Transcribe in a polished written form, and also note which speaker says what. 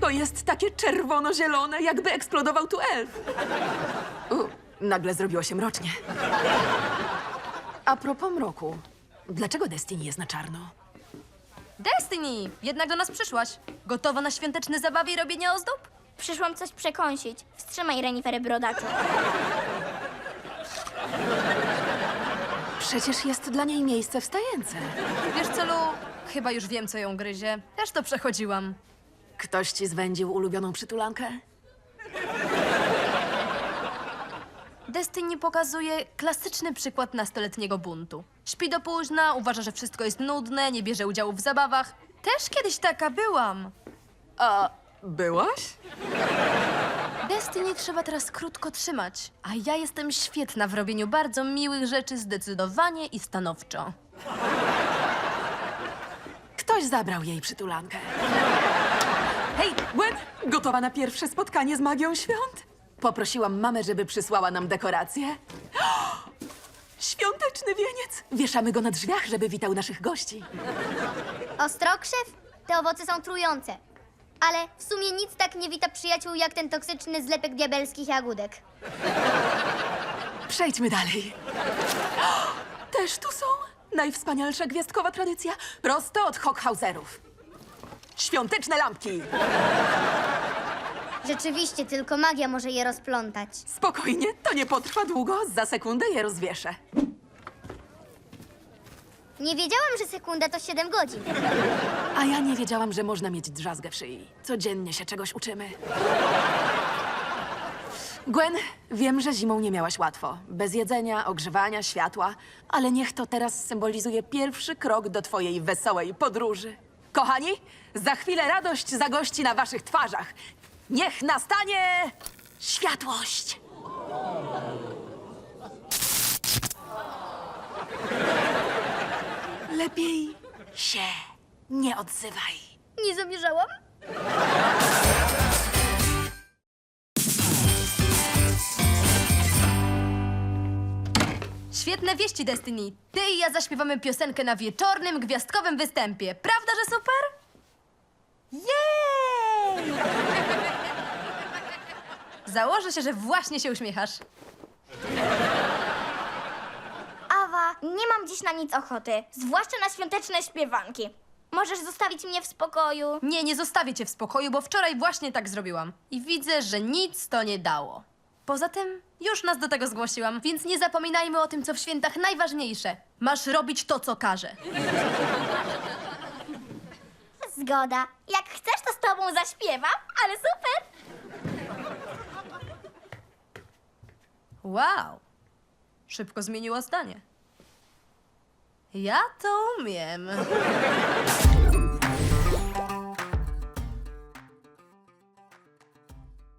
Speaker 1: Wszystko jest takie czerwono-zielone, jakby eksplodował tu elf. Nagle zrobiło się mrocznie. A propos mroku, dlaczego Destiny jest na czarno?
Speaker 2: Destiny! Jednak do nas przyszłaś. Gotowa na świąteczne zabawy i robienie ozdób?
Speaker 3: Przyszłam coś przekąsić. Wstrzymaj renifery brodaczu.
Speaker 1: Przecież jest dla niej miejsce wstające.
Speaker 2: Wiesz co, Lu? Chyba już wiem, co ją gryzie. Też to przechodziłam.
Speaker 1: Ktoś ci zwędził ulubioną przytulankę?
Speaker 2: Destiny pokazuje klasyczny przykład nastoletniego buntu. Śpi do późna, uważa, że wszystko jest nudne, nie bierze udziału w zabawach. Też kiedyś taka byłam.
Speaker 1: A byłaś?
Speaker 2: Destiny trzeba teraz krótko trzymać, a ja jestem świetna w robieniu bardzo miłych rzeczy zdecydowanie i stanowczo.
Speaker 1: Ktoś zabrał jej przytulankę. Hej, Gwen, gotowa na pierwsze spotkanie z magią świąt? Poprosiłam mamę, żeby przysłała nam dekoracje. Świąteczny wieniec! Wieszamy go na drzwiach, żeby witał naszych gości.
Speaker 3: Ostrokrzew? Te owoce są trujące. Ale w sumie nic tak nie wita przyjaciół jak ten toksyczny zlepek diabelskich jagódek.
Speaker 1: Przejdźmy dalej. Też tu są najwspanialsza gwiazdkowa tradycja, prosto od Hockhauserów. Świąteczne lampki.
Speaker 3: Rzeczywiście, tylko magia może je rozplątać.
Speaker 1: Spokojnie, to nie potrwa długo, za sekundę je rozwieszę.
Speaker 3: Nie wiedziałam, że sekunda to 7 godzin.
Speaker 1: A ja nie wiedziałam, że można mieć drzazgę w szyi. Codziennie się czegoś uczymy. Gwen, wiem, że zimą nie miałaś łatwo. Bez jedzenia, ogrzewania, światła. Ale niech to teraz symbolizuje pierwszy krok do twojej wesołej podróży. Kochani, za chwilę radość zagości na waszych twarzach. Niech nastanie światłość! Lepiej się nie odzywaj.
Speaker 3: Nie zamierzałam?
Speaker 2: Świetne wieści, Destiny. Ty i ja zaśpiewamy piosenkę na wieczornym, gwiazdkowym występie. Prawda, że super? Jej! Założę się, że właśnie się uśmiechasz.
Speaker 3: Awa, nie mam dziś na nic ochoty. Zwłaszcza na świąteczne śpiewanki. Możesz zostawić mnie w spokoju.
Speaker 2: Nie, nie zostawię cię w spokoju, bo wczoraj właśnie tak zrobiłam. I widzę, że nic to nie dało. Poza tym już nas do tego zgłosiłam, więc nie zapominajmy o tym, co w świętach najważniejsze. Masz robić to, co każę.
Speaker 3: Zgoda. Jak chcesz, to z tobą zaśpiewam, ale super.
Speaker 2: Wow. Szybko zmieniła zdanie. Ja to umiem.